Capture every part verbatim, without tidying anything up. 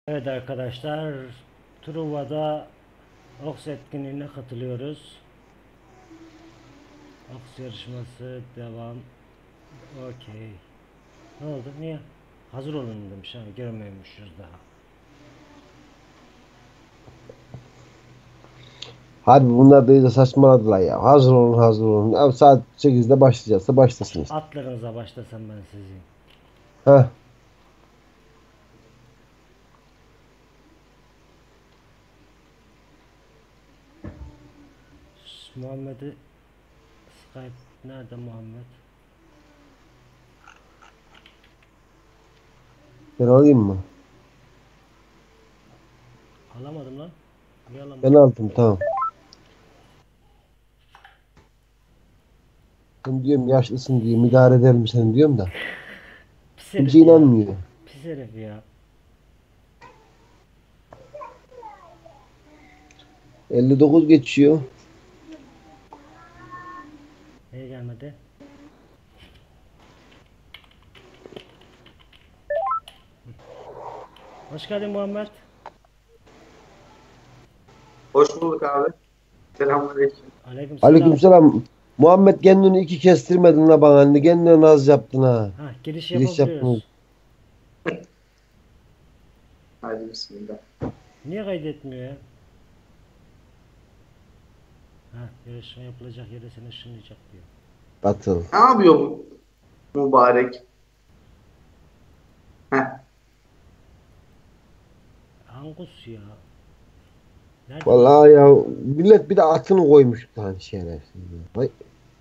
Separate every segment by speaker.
Speaker 1: Evet arkadaşlar, Truva'da Oks etkinliğine katılıyoruz. Oks yarışması devam. Okey. Ne oldu? Niye? Hazır olun demiş. Yani görmüyormuşuz daha.
Speaker 2: Harbi bunlar da iyice saçmaladılar ya. Hazır olun hazır olun. Abi saat sekizde başlayacaksa başlasın işte.
Speaker 1: Atlarınıza başlasam ben sizi.
Speaker 2: Heh.
Speaker 1: Muhammed'i Skype nerede Muhammed?
Speaker 2: Ben alayım mı?
Speaker 1: Alamadım lan. Niye
Speaker 2: Ben
Speaker 1: alamadım?
Speaker 2: aldım tamam. Ben diyorum yaşlısın diye idare ederim seni diyorum da.
Speaker 1: Pis
Speaker 2: Kimse
Speaker 1: herif ya.
Speaker 2: inanmıyor.
Speaker 1: Pis herif ya.
Speaker 2: elli dokuz geçiyor.
Speaker 1: Niye gelmedi? Hoş geldin Muhammed.
Speaker 3: Hoş bulduk abi. Selamünaleyküm.
Speaker 1: Aleykümselam.
Speaker 2: Aleykümselam. Muhammed kendini iki kestirmedin la bana. Hani kendine naz yaptın ha.
Speaker 1: Ha, giriş
Speaker 2: Giriş yaptın.
Speaker 1: yapabiliyoruz.
Speaker 3: Hadi bismillah.
Speaker 1: Niye kaydetmiyor ya? Ha, yarışma yapılacak yere seni ışınlayacak diyor.
Speaker 2: Batıl.
Speaker 3: Ne yapıyor bu mübarek? Heh.
Speaker 1: Angus ya. Nerede lan?
Speaker 2: Vallahi ya millet bir de atını koymuş lan şerefsiz. Vay.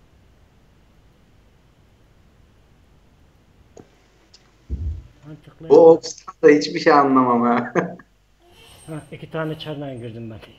Speaker 1: Mantıklı
Speaker 3: Bu
Speaker 1: yapma.
Speaker 3: Oxford'da da hiçbir şey anlamam ha.
Speaker 1: Ha, iki tane çardan girdim ben.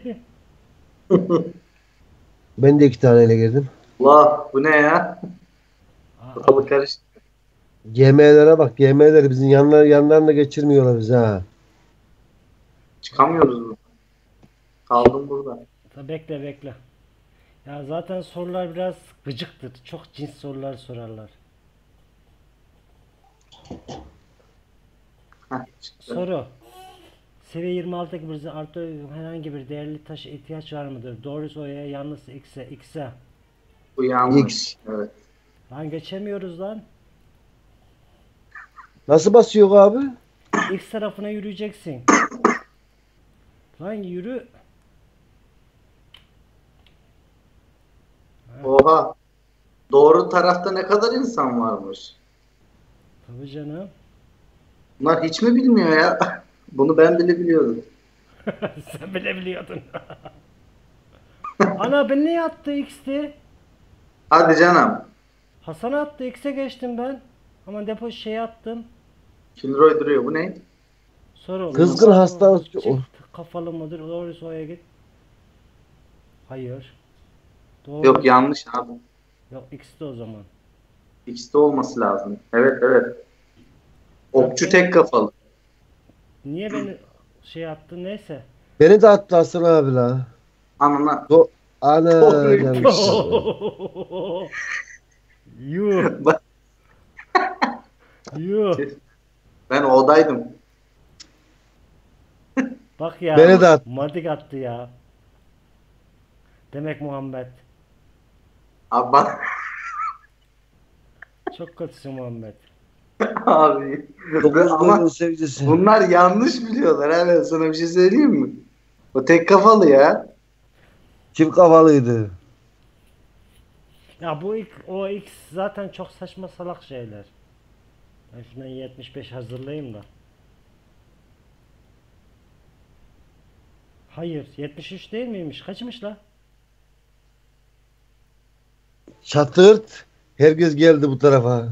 Speaker 2: Ben de iki taneyle girdim.
Speaker 3: Allah bu ne ya?
Speaker 1: Aa,
Speaker 3: Ortalık karıştı.
Speaker 2: G M'lere bak. G M'leri bizim yanlar, yanlarına geçirmiyorlar bizi ha.
Speaker 3: Çıkamıyoruz mu? Kaldım burada.
Speaker 1: ta bekle bekle. Ya zaten sorular biraz gıcıktır. Çok cins sorular sorarlar.
Speaker 3: Heh, çıktı.
Speaker 1: Soru. Seviye yirmi altıdaki bir artı herhangi bir değerli taşa ihtiyaç var mıdır? Doğrusu O'ya, yalnız X'e, X'e.
Speaker 3: Bu yanlış.
Speaker 2: X.
Speaker 3: Evet.
Speaker 1: Lan geçemiyoruz lan.
Speaker 2: Nasıl basıyor abi?
Speaker 1: X tarafına yürüyeceksin. Lan yürü.
Speaker 3: Oha. Doğru tarafta ne kadar insan varmış?
Speaker 1: Tabii canım.
Speaker 3: Bunlar hiç mi bilmiyor ya? Bunu ben bile biliyordum.
Speaker 1: Sen bile biliyordun. Ana ben ne attı X'ti?
Speaker 3: Hadi canım.
Speaker 1: Hasan attı X'e geçtim ben. Ama depo şey attım.
Speaker 3: Kilroy duruyor. Bu ne?
Speaker 1: Soru.
Speaker 2: Kızgın
Speaker 1: Kafa,
Speaker 2: hasta.
Speaker 1: çift kafalı mıdır? Doğrusu O'ya git. Hayır. Doğru.
Speaker 3: Yok yanlış abi.
Speaker 1: Yok X'ti o zaman.
Speaker 3: X'te olması lazım. Evet evet. Okçu
Speaker 1: Ben-
Speaker 3: tek kafalı.
Speaker 1: Niye beni şey yaptı neyse.
Speaker 2: Beni de attı Hasan abi la.
Speaker 3: Anına.
Speaker 2: Do Ana
Speaker 3: Doğruymuş.
Speaker 2: yanlış yaptı.
Speaker 1: Yuh.
Speaker 3: Bak,
Speaker 1: Yuh.
Speaker 3: ben odaydım.
Speaker 1: Bak ya.
Speaker 2: Beni de attı.
Speaker 1: Madik attı ya. Demek Muhammed.
Speaker 3: Abi bak
Speaker 1: Çok kötüsün Muhammed.
Speaker 3: abi.
Speaker 2: Dokuz
Speaker 3: Ama
Speaker 2: golün sevgisi.
Speaker 3: bunlar yanlış biliyorlar. Ha, ben sana bir şey söyleyeyim mi? O tek kafalı ya.
Speaker 2: Çift kafalıydı.
Speaker 1: Ya bu ilk, o X zaten çok saçma salak şeyler. Ben şundan yetmiş beş hazırlayayım da. Hayır, yetmiş üç değil miymiş? Kaçmış la?
Speaker 2: Çatırt. Herkes geldi bu tarafa.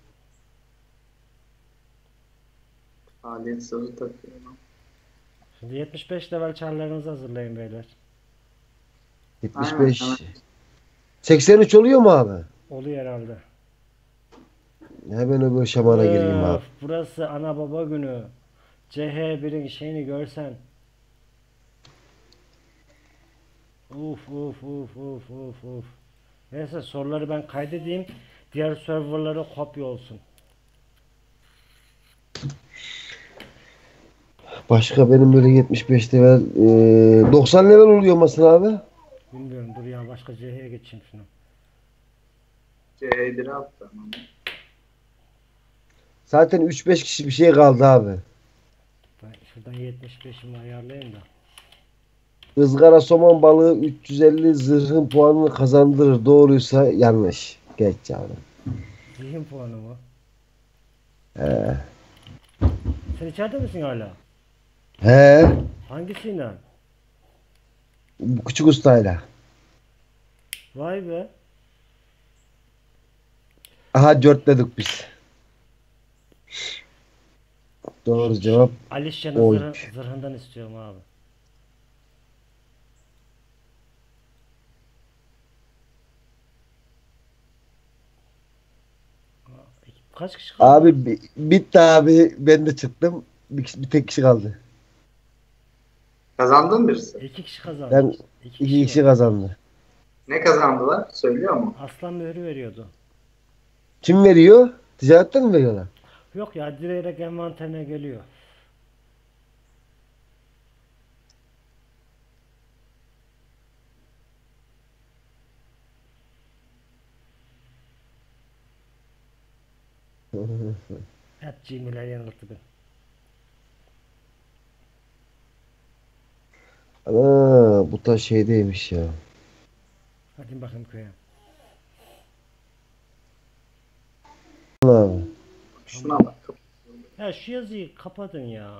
Speaker 3: Alet sırrı takıyorum.
Speaker 1: Şimdi yetmiş beş level çarlarınızı hazırlayın beyler.
Speaker 3: Aynen.
Speaker 2: yetmiş beş.
Speaker 3: Aynen.
Speaker 2: seksen üç oluyor mu abi?
Speaker 1: Oluyor herhalde.
Speaker 2: Hemen öbür şamana gireyim abi.
Speaker 1: Öf, burası ana baba günü. C H birin şeyini görsen. Uf uf uf uf uf uf. Neyse soruları ben kaydedeyim. Diğer serverlara kopya olsun.
Speaker 2: Başka benim böyle yetmiş beş level eee, doksan level oluyor musun abi?
Speaker 1: Bilmiyorum, dur ya, başka C H'ye geçeyim şunu.
Speaker 3: C'dir attı.
Speaker 2: Zaten üç beş kişi bir şey kaldı abi.
Speaker 1: Ben şuradan yetmiş beşimi ayarlayayım da.
Speaker 2: Izgara somon balığı üç yüz elli zırhın puanını kazandırır. Doğruysa yanlış. Geç abi.
Speaker 1: Zihin puanı mı?
Speaker 2: He.
Speaker 1: Sen içeride misin hala?
Speaker 2: He.
Speaker 1: Hangisiyle?
Speaker 2: Bu küçük ustayla.
Speaker 1: Vay be.
Speaker 2: Aha dörtledik biz. Doğru cevap
Speaker 1: Alişya'nın zırhı,
Speaker 2: oymuş.
Speaker 1: zırhından istiyorum abi. Kaç kişi kaldı?
Speaker 2: Abi bi- bitti abi. Ben de çıktım. Bir, kişi- bir tek kişi kaldı.
Speaker 3: Kazandın birisi.
Speaker 1: İki kişi kazandı.
Speaker 2: Ben
Speaker 1: İki
Speaker 2: iki
Speaker 1: kişi
Speaker 2: kişi
Speaker 1: var.
Speaker 2: kazandı.
Speaker 3: Ne kazandılar? Söylüyor mu?
Speaker 1: Aslan mührü veriyordu.
Speaker 2: Kim veriyor? Ticaretten mi veriyorlar?
Speaker 1: Yok ya, direkt envanterine geliyor. Hep cimiler yanılttı beni.
Speaker 2: Ana bu da şeydeymiş ya.
Speaker 1: Hadi bakayım köye.
Speaker 2: Abi.
Speaker 3: Şuna bak.
Speaker 1: Ya şu yazıyı kapatın ya.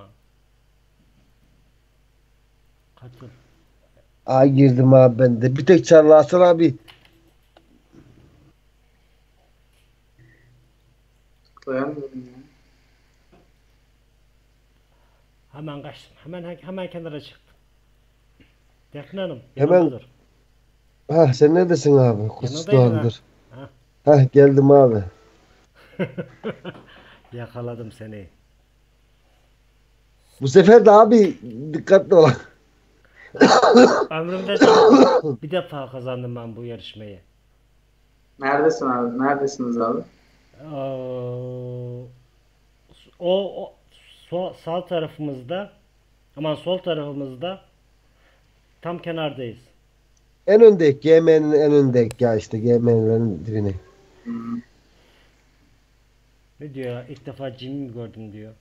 Speaker 1: Katıl.
Speaker 2: Aa girdim abi ben de. Bir tek Çarlı Hasan abi.
Speaker 3: Tıklayamıyorum ya.
Speaker 1: Hemen kaçtım. Hemen hemen kenara çıktım. Defne Hanım
Speaker 2: Hemen.
Speaker 1: yanımdadır.
Speaker 2: Ha sen neredesin abi? Kuts
Speaker 1: Yanındaydın ha.
Speaker 2: Doğan'dır.
Speaker 1: Ha.
Speaker 2: Ha geldim abi.
Speaker 1: Yakaladım seni.
Speaker 2: Bu sefer de abi dikkatli ol.
Speaker 1: Ömrümde bir defa kazandım ben bu yarışmayı.
Speaker 3: Neredesin abi? Neredesiniz abi?
Speaker 1: Ee, o, o sol, sağ tarafımızda, aman sol tarafımızda, tam kenardayız.
Speaker 2: En öndeki G M'nin en öndeki ya işte G M'nin dibine.
Speaker 3: Hmm.
Speaker 1: Ne diyor ya? İlk defa Jimmy gördüm diyor.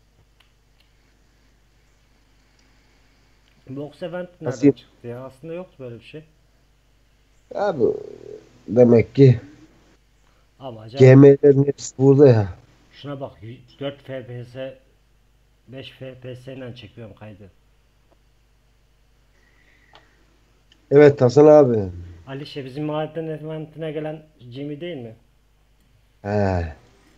Speaker 1: Box Event nereden
Speaker 2: Nasıl?
Speaker 1: çıktı ya? Aslında yoktu böyle bir şey.
Speaker 2: Abi demek ki
Speaker 1: Ama acayip.
Speaker 2: G M'lerin hepsi burada ya.
Speaker 1: Şuna bak, dört F P S, beş F P S ile çekiyorum kaydı.
Speaker 2: Evet Hasan abi.
Speaker 1: Alişe bizim mahallenin eventine gelen Jimmy değil mi?
Speaker 2: He.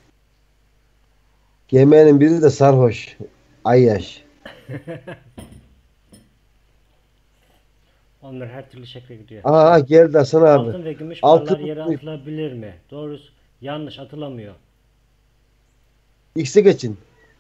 Speaker 2: G M'nin biri de sarhoş. Ayyaş.
Speaker 1: Onlar her türlü şekle gidiyor.
Speaker 2: Aha geldi Hasan abi.
Speaker 1: Altın ve gümüş
Speaker 2: Altın
Speaker 1: paralar yere atılabilir mi? Doğrusu yanlış, atılamıyor.
Speaker 2: X'e geçin.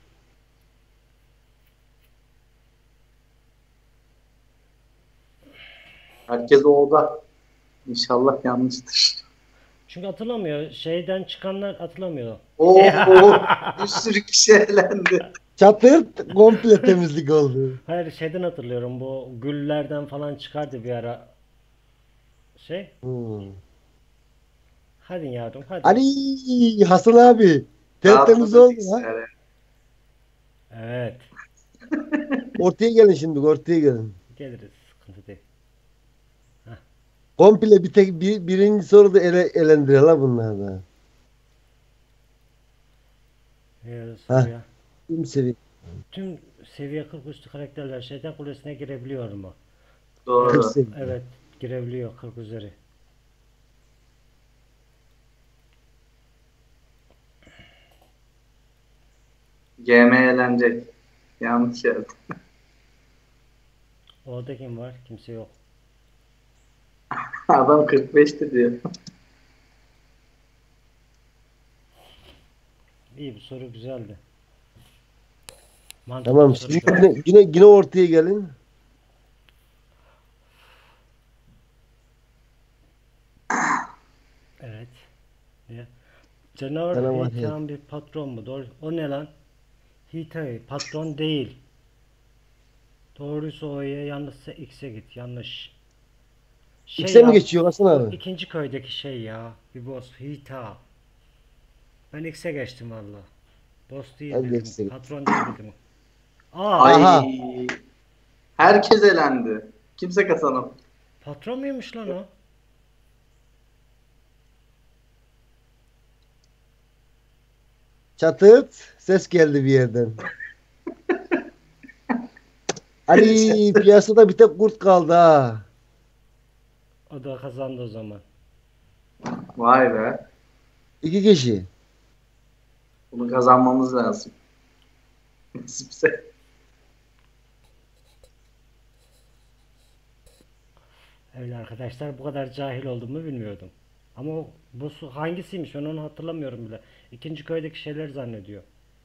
Speaker 3: Herkes oda. İnşallah yanlıştır.
Speaker 1: Çünkü atılamıyor. Şeyden çıkanlar atılamıyor.
Speaker 3: Oo, bir sürü kişi elendi.
Speaker 2: Çatır komple temizlik oldu.
Speaker 1: Hayır, şeyden hatırlıyorum, bu güllerden falan çıkardı bir ara. Şey.
Speaker 2: Hmm.
Speaker 1: Hadi yavrum hadi.
Speaker 2: Ali Hasan abi. Tertemiz
Speaker 3: Rahatladı
Speaker 2: oldu ha.
Speaker 3: bilgisayarı.
Speaker 1: Evet.
Speaker 2: Ortaya gelin şimdi ortaya gelin.
Speaker 1: Geliriz. Sıkıntı değil.
Speaker 2: Komple bir tek bir, birinci soruda ele, elendiriyor la bunlar da.
Speaker 1: Ee,
Speaker 2: Ha,
Speaker 1: soruya.
Speaker 2: kim seviye?
Speaker 1: Tüm seviye kırk üstü karakterler şeytan kulesine girebiliyor mu?
Speaker 2: kırk
Speaker 3: Doğru.
Speaker 2: seviye.
Speaker 1: Evet, girebiliyor kırk üzeri.
Speaker 3: G M eğlenecek. Yanlış yerde.
Speaker 1: Orada kim var? Kimse yok.
Speaker 3: Adam kırk beşti diyor.
Speaker 1: İyi, bu soru güzeldi. Mantıklı
Speaker 2: Tamam
Speaker 1: bir
Speaker 2: siz
Speaker 1: soruydu.
Speaker 2: yine, yine, yine ortaya gelin.
Speaker 1: Evet. Ne? Canavar
Speaker 2: Canavar
Speaker 1: Hitan bir patron mu? Doğru. O ne lan? Hitai patron değil. Doğruysa O'ya, yanlışsa X'e git. Yanlış. Şey
Speaker 2: X'e mi
Speaker 1: ya,
Speaker 2: geçiyor Hasan
Speaker 1: o
Speaker 2: abi?
Speaker 1: ikinci köydeki şey ya. Bir boss. Hita. Ben X'e geçtim valla. Boss değil
Speaker 2: Ben de
Speaker 1: dedim.
Speaker 2: X'e gittim.
Speaker 1: Patron değil dedim. Aa,
Speaker 3: Ay.
Speaker 2: Aha.
Speaker 3: Herkes elendi. Kimse kazanamadı.
Speaker 1: patron muymuş lan o?
Speaker 2: Çatıt. Ses geldi bir yerden. Ali piyasada bir tek kurt kaldı ha.
Speaker 1: O da kazandı o zaman.
Speaker 3: Vay be.
Speaker 2: İki kişi.
Speaker 3: Bunu kazanmamız lazım. Nasipse.
Speaker 1: Evet arkadaşlar, bu kadar cahil olduğumu bilmiyordum. Ama o, bu su hangisiymiş ben onu hatırlamıyorum bile. İkinci köydeki şeyler zannediyor.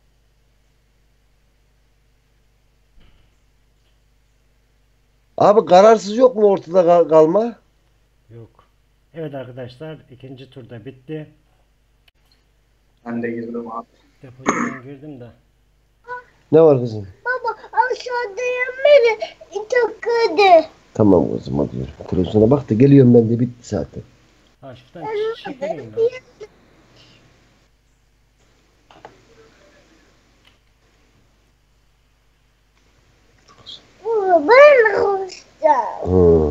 Speaker 2: Abi kararsız yok mu ortada kal- kalma?
Speaker 1: Yok. Evet arkadaşlar, ikinci turda bitti.
Speaker 3: Ben de girdim abi.
Speaker 1: Depocudan girdim de.
Speaker 2: Ne var kızım?
Speaker 4: Baba aşağıdayım beni takıldı.
Speaker 2: Tamam kızım hadi yürü. Televizyona bak da geliyorum ben de bitti zaten.
Speaker 1: Ha şuradan ç- çekileyim ya.
Speaker 4: Baba ben olacağım.
Speaker 2: Hı.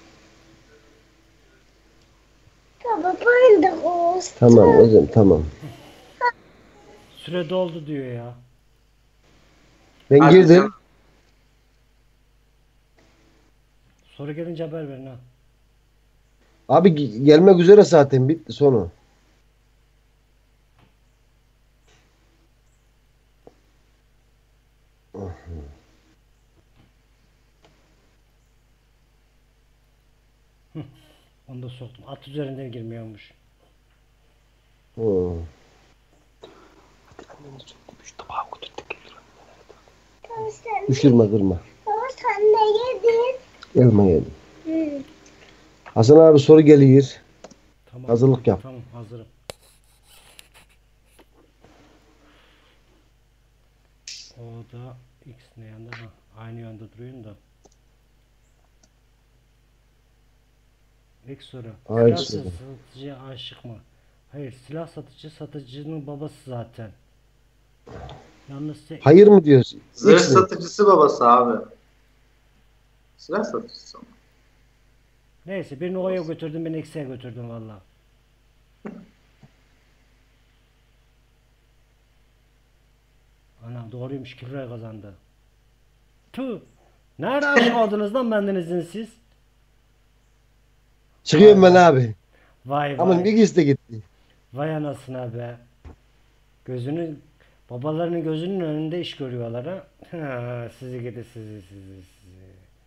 Speaker 4: Baba ben de olacağım.
Speaker 2: Tamam kızım tamam.
Speaker 1: Süre doldu diyor ya.
Speaker 2: Ben
Speaker 3: Hadi
Speaker 2: girdim.
Speaker 3: canım.
Speaker 1: Soru gelince haber verin ha.
Speaker 2: Abi ge- gelmek üzere zaten bitti sonu.
Speaker 1: Onu da soktum. At üzerinden girmiyormuş.
Speaker 2: Hı.
Speaker 4: Baba sen,
Speaker 2: Düşürme kırma.
Speaker 4: baba sen ne yedin?
Speaker 2: Elma yedim.
Speaker 4: Hı.
Speaker 2: Hasan abi soru geliyor.
Speaker 1: Tamam.
Speaker 2: Hazırlık yap.
Speaker 1: Tamam, hazırım. O da X ne yanda? Ha, aynı yanda duruyorum da. İlk soru.
Speaker 2: Hayır,
Speaker 1: Silah
Speaker 2: soru.
Speaker 1: satıcıya aşık mı? Hayır, silah satıcı satıcının babası zaten. Yalnız se-
Speaker 2: Hayır mı diyorsun?
Speaker 3: Zırh
Speaker 2: X mi?
Speaker 3: satıcısı babası abi. Silah satıcısı ama.
Speaker 1: Neyse, birini O'ya götürdüm, birini X'e götürdüm valla. Ana doğruymuş, iki liraya kazandı. Tüh. Nerede aşık oldunuz lan benden izinsiz?
Speaker 2: Çıkıyorum ben abi.
Speaker 1: Vay
Speaker 2: Ama
Speaker 1: vay.
Speaker 2: bir ikisi de gitti.
Speaker 1: Vay anasına be. Gözünü babalarının gözünün önünde iş görüyorlar ha. Ha, sizi gidi sizi sizi sizi.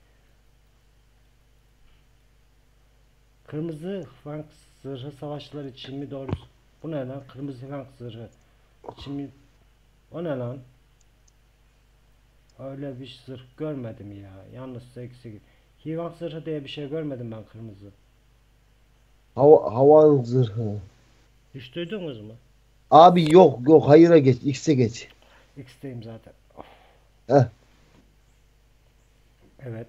Speaker 1: Kırmızı Frank zırhı savaşçılar için mi doğru? Bu ne lan? Kırmızı Frank zırhı için mi? O ne lan? Öyle bir zırh görmedim ya. Yalnız eksik. Hivan zırhı diye bir şey görmedim ben kırmızı.
Speaker 2: Hava, havan zırhı.
Speaker 1: Hiç duydunuz mu?
Speaker 2: Abi yok yok hayıra geç. X'e geç.
Speaker 1: X'teyim zaten.
Speaker 2: Heh.
Speaker 1: Evet.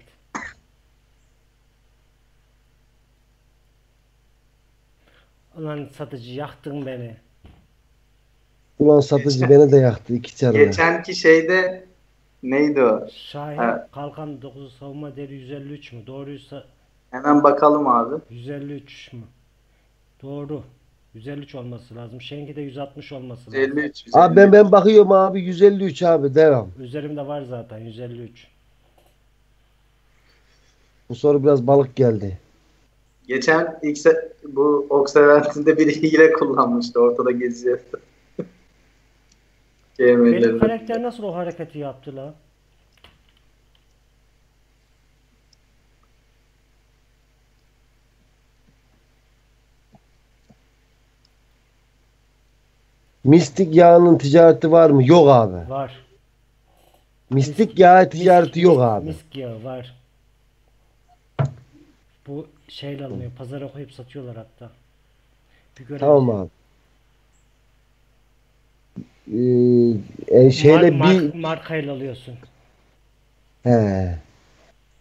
Speaker 1: Ulan satıcı, yaktın beni.
Speaker 2: Ulan satıcı beni de yaktı iki çarla.
Speaker 3: Geçenki şeyde neydi o?
Speaker 1: Şahin
Speaker 3: Evet.
Speaker 1: kalkan dokuzu savunma değeri yüz elli üç mü? Doğruysa
Speaker 3: Hemen bakalım abi.
Speaker 1: yüz elli üç mü? Doğru. yüz elli üç olması lazım. Şenki de yüz altmış olması lazım.
Speaker 3: elli üç.
Speaker 2: Abi ben ben bakıyorum abi yüz elli üç abi devam.
Speaker 1: Üzerimde var zaten yüz elli üç.
Speaker 2: Bu soru biraz balık geldi.
Speaker 3: Geçen ilk se- bu Oks eventinde biri hile kullanmıştı. Ortada geziyordu.
Speaker 1: Benim
Speaker 3: G M'lerin
Speaker 1: karakter nasıl o hareketi yaptı la?
Speaker 2: Mistik yağının ticareti var mı? Yok abi.
Speaker 1: Var.
Speaker 2: Mistik yağı ticareti
Speaker 1: Misk-
Speaker 2: yok
Speaker 1: misk-
Speaker 2: abi.
Speaker 1: Misk yağı var. Bu şeyle alınıyor. Pazara koyup satıyorlar hatta. Bir görev
Speaker 2: Tamam
Speaker 1: için.
Speaker 2: abi. Ee, e, şeyle
Speaker 1: Mar- mar-
Speaker 2: bir
Speaker 1: markayla alıyorsun.
Speaker 2: he.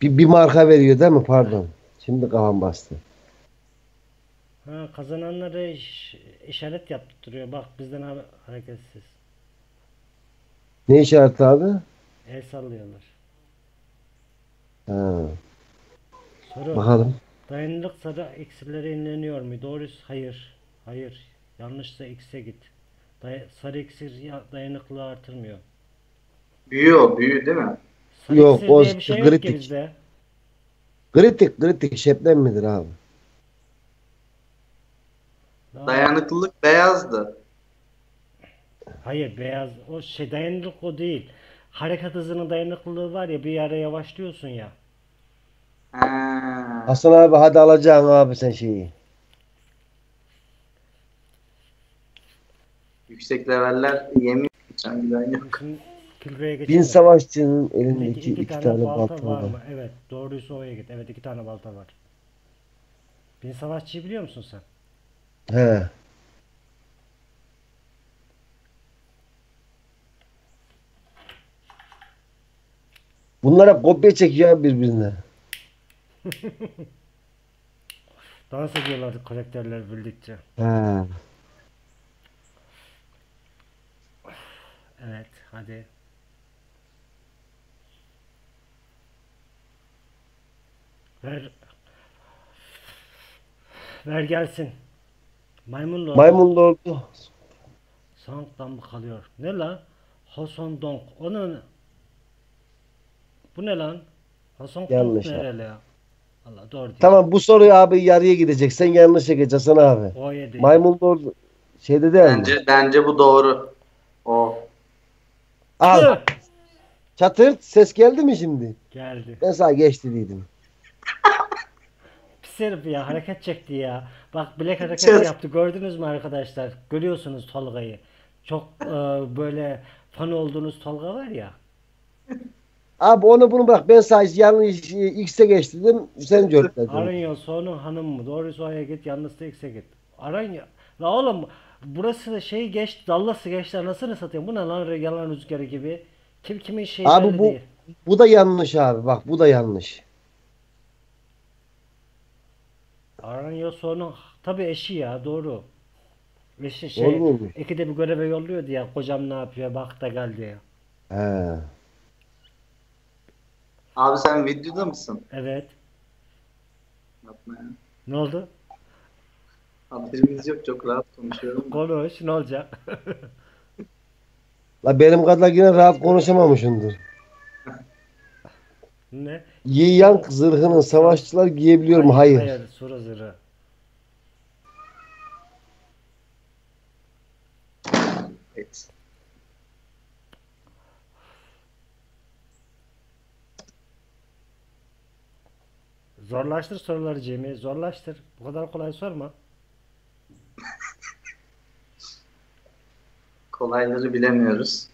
Speaker 2: Bir, bir marka veriyor değil mi? Pardon. Şimdi kafam bastı.
Speaker 1: Ha, kazananları iş- işaret yaptırıyor. Bak bizden ha- hareketsiz.
Speaker 2: Ne işareti abi?
Speaker 1: El sallıyorlar.
Speaker 2: Ha,
Speaker 1: Soru.
Speaker 2: bakalım.
Speaker 1: Dayanıklılık sarı eksilere inleniyor mu? Doğrusu hayır. Hayır. Yanlışsa X'e git. Day- sarı iksir ya- dayanıklılığı artırmıyor.
Speaker 3: Büyüyor, büyü değil mi?
Speaker 1: Sarı
Speaker 2: Yok
Speaker 1: iksir
Speaker 2: o
Speaker 1: diye bir şey yok ki
Speaker 2: kritik.
Speaker 1: bizde.
Speaker 2: Kritik kritik şebnem midir abi?
Speaker 1: Daha-
Speaker 3: Dayanıklılık beyazdı.
Speaker 1: Hayır beyaz o şey dayanıklılık o değil. Hareket hızının dayanıklılığı var ya bir ara yavaşlıyorsun ya.
Speaker 3: Ha.
Speaker 2: Hasan abi hadi alacaksın abi sen şeyi.
Speaker 3: Yüksek leveller yemin geçen giden yok.
Speaker 1: Şimdi külbeye
Speaker 2: Bin
Speaker 1: geçelim.
Speaker 2: savaşçının
Speaker 1: Şimdi iki,
Speaker 2: elindeki
Speaker 1: iki
Speaker 2: iki
Speaker 1: tane,
Speaker 2: tane
Speaker 1: balta
Speaker 2: balta
Speaker 1: var
Speaker 2: var.
Speaker 1: mı? Evet doğruysa oraya git. Evet iki tane balta var. Bin savaşçıyı biliyor musun sen?
Speaker 2: He. Bunlara kopya çekiyor abi birbirine.
Speaker 1: Dans ediyorlar karakterler bildikçe.
Speaker 2: He.
Speaker 1: Evet hadi. Ver. Ver gelsin. Maymun Lord.
Speaker 2: Maymun lordu.
Speaker 1: Song'dan mı kalıyor? Ne lan? Hoson Dong. Onun bu ne lan? Hoson Dong
Speaker 2: Yanlış abi.
Speaker 1: nereli ya? Allah doğru değil.
Speaker 2: Tamam bu soruyu abi yarıya gidecek. Sen yanlış geç Hasan abi.
Speaker 1: O yedi.
Speaker 2: Maymun lordu şeyde değil mi?
Speaker 3: Bence bence bu doğru. O.
Speaker 2: Al.
Speaker 1: Tüh!
Speaker 2: Çatırt ses geldi mi şimdi?
Speaker 1: Geldi.
Speaker 2: Ben sana geç dediydim.
Speaker 1: Pis herif ya hareket çekti ya. Bak bilek hareketi
Speaker 3: Çöz.
Speaker 1: yaptı. Gördünüz mü arkadaşlar? Görüyorsunuz Tolga'yı. Çok e, böyle fan olduğunuz Tolga var ya.
Speaker 2: Abi onu bunu bırak. Ben sadece yanlış e, X'e geç dedim. Sen cörtledin.
Speaker 1: Aranya sonu hanım mı? Doğrusu oraya git. Yalnız da X'e git. Aranya. La oğlum burası da şey geç. Dallası geçti. Anasını satayım. Bu ne lan yalan rüzgarı gibi. Kim kimin şeyi
Speaker 2: Abi
Speaker 1: belli
Speaker 2: bu
Speaker 1: değil.
Speaker 2: bu da yanlış abi. Bak bu da yanlış.
Speaker 1: Aranya sonu tabii eşi ya doğru. Eşi şey
Speaker 2: Doğru mu?
Speaker 1: ikide bir göreve yolluyordu ya. Kocam ne yapıyor? Bak da gel diye.
Speaker 2: He.
Speaker 3: Abi sen videoda mısın?
Speaker 1: Evet.
Speaker 3: Yapma ya.
Speaker 1: Ne oldu?
Speaker 3: Haberimiz yok, çok rahat konuşuyorum.
Speaker 1: Konuş. Ne olacak?
Speaker 2: La benim kadar yine rahat konuşamamışımdır.
Speaker 1: Ne?
Speaker 2: Yi Yang zırhını savaşçılar giyebiliyor mu? Hayır.
Speaker 1: Hayır. Soru zırhı.
Speaker 3: Evet.
Speaker 1: Zorlaştır soruları Cemil. Zorlaştır. Bu kadar kolay sorma.
Speaker 3: Kolayları bilemiyoruz.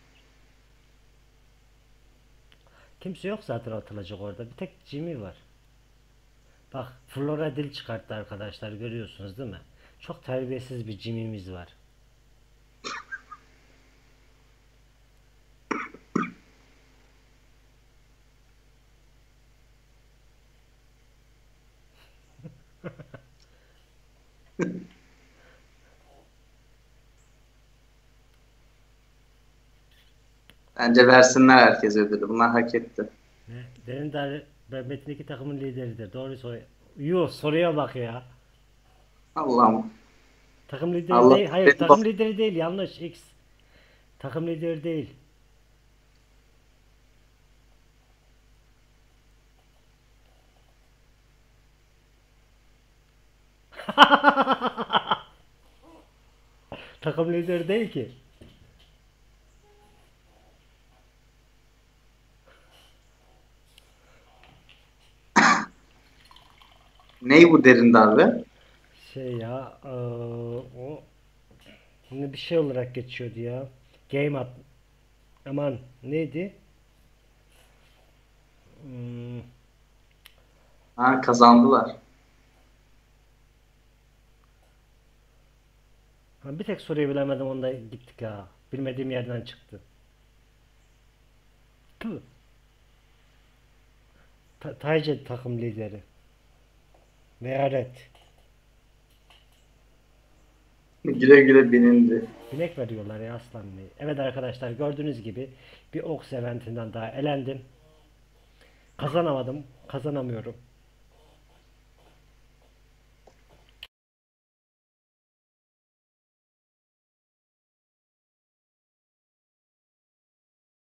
Speaker 1: Kimse yok zaten atılacak orada. Bir tek Jimmy var. Bak Flora dil çıkarttı arkadaşlar. Görüyorsunuz değil mi? Çok terbiyesiz bir Jimmy'miz var.
Speaker 3: Bence versinler herkes ödülü. Bunlar hak etti.
Speaker 1: Ne? Derin Dar Metin iki takımın lideridir. Doğru soru. Yuh soruya bak ya.
Speaker 3: Allah'ım.
Speaker 1: Takım lideri
Speaker 3: Allah
Speaker 1: değil. Hayır
Speaker 3: benim
Speaker 1: takım
Speaker 3: bak-
Speaker 1: lideri değil. Yanlış. X. Takım lideri değil. Takım lideri değil ki.
Speaker 3: Ney bu derin darbe?
Speaker 1: Şey ya eee, o ne bir şey olarak geçiyordu ya. Game at. Aman neydi? Hmm,
Speaker 3: Ha, kazandılar.
Speaker 1: ha, bir tek soruyu bilemedim onda gittik ha. Bilmediğim yerden çıktı. Tüh. Ta Tayce takım lideri. Meyaret.
Speaker 3: Güle güle binindi.
Speaker 1: Binek veriyorlar ya Aslan Bey. Evet arkadaşlar gördüğünüz gibi bir Ox eventinden daha elendim. Kazanamadım. Kazanamıyorum.